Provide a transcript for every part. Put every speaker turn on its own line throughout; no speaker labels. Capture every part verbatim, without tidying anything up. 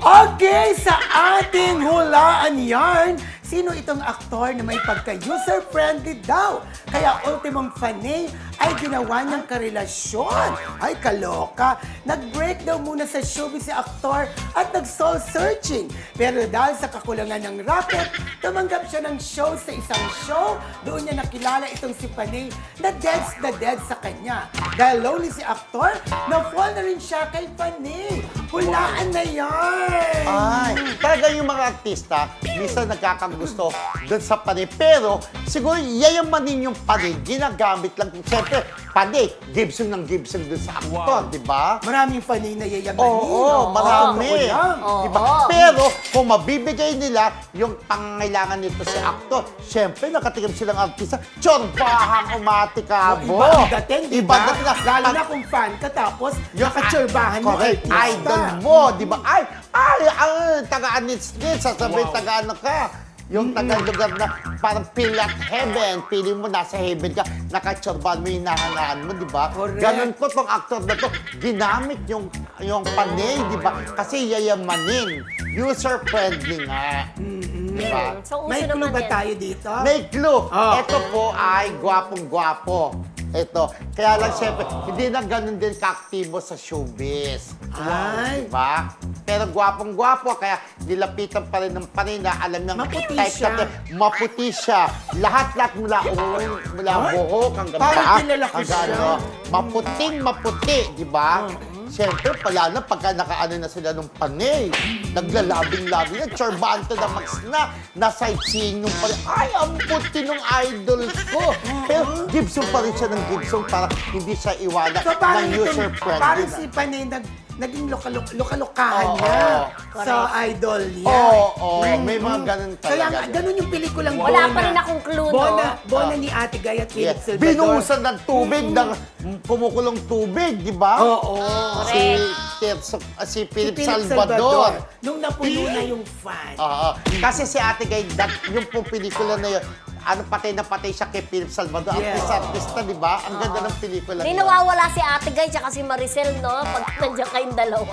Okay, sa ating hulaan yarn, sino itong aktor na may pagka-user-friendly daw? Kaya ultimong fanay ay ginawa niyang karelasyon. Ay, kaloka. Nag-break daw muna sa showbiz si aktor at nag-soul searching. Pero dahil sa kakulangan ng racket, tumanggap siya ng show sa isang show. Doon niya nakilala itong si Panay na deads na dead sa kanya. Dahil lonely si aktor, na-fall na rin siya kay Panay. Hulaan na yan!
Ay, talaga yung mga artista, minsan nagkakagusto doon sa panay. Pero, siguro, yayamanin yung panay, ginagamit lang. Siyempre, panay, Gibson ng Gibson doon sa aktor, di ba?
Maraming Panay na yayamanin.
Oo, marami.
Totoo yan.
Diba? Pero, kung mabibigay nila yung pangangailangan nito si aktor, siyempre, nakatikim silang artista, tsorbahang umatikabo.
Iba ang dating, di
Iba
ba?
ang dating na-
Lalo na kung fan ka, tapos
Yung
nakatsurbahan mo
correct,
artista.
idol mo, di ba? Ay, ay, ay, taga-anits-nits, sasabihin
Wow.
taga-ano ka. Yung taga-lugar na parang feel at heaven, feeling mo nasa heaven ka, nakatsurbahan mo yung nahangaan mo, di ba?
Correct.
Ganon ko tong actor na to, ginamit yung, yung panay, di ba? Kasi yayamanin, user-friendly nga. Di ba?
So, uso
May clue
naman
ba
yan.
tayo dito?
May clue.
Oh.
Ito po ay gwapong-gwapo. Ito. Kaya lang, siyempre, hindi na ganun din kaaktibo sa showbiz.
Ay.
Diba? Pero gwapong-gwapo, kaya nilapitan pa rin ng panay na alam ng
Maputi
type
siya.
natin, maputi siya. Lahat-lahat mula ulo, mula
Ay.
buhok hanggang
Parang
paa,
kilala ko
hanggang
siya.
ano, maputing maputi, di ba? Siyempre, pala na pagka nakaano na sila ng panay, naglalabing-labing na, chorbante na max na, na-sightseeing nung panay. Ay, ang puti nung idol ko. Pero Gibson pa rin siya ng Gibson para hindi siya iwanan
So parang
ng
ito,
user-friendly.
parang
na.
si Panay nag, naging lokalo- lokalokahan
Oo.
niya
Correct.
sa idol niya.
Oo, oo, may mga ganun talaga.
Kaya nga, ganun yung pelikulang
Wala
Bona.
pa rin akong clue, no?
Bona, Bona
Ah.
ni Ate Gay at Philip
Yes.
Salvador.
Binuhusan ng tubig, ng kumukulong tubig, di ba?
Oo.
Si,
Correct.
si, si
Si
Philip
Philip
Salvador.
Nung napuno na yung fan.
Oo. Kasi si Ate Gay, that, yung pong pelikula na yun, ano, patay na patay siya kay Philip Salvador.
Yes.
Artista-artista, di ba? Ang ganda ng pelikula
Hindi
niya.
nawawala si Ate Guy tsaka si Maricel, no? Pag nandiyan kayong dalawa.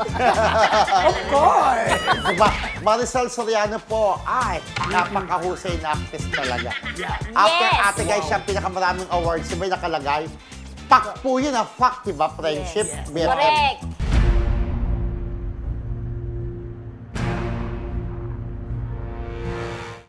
Of course!
Diba? Marisol Soriano po, ay, napakahusay na actress talaga.
Yeah.
After
Yes.
Ate Guy, siya pinakamaraming awards, may nakalagay. Fact po yun, ah, fact, diba? Friendship.
Yes.
B F F.
Correct.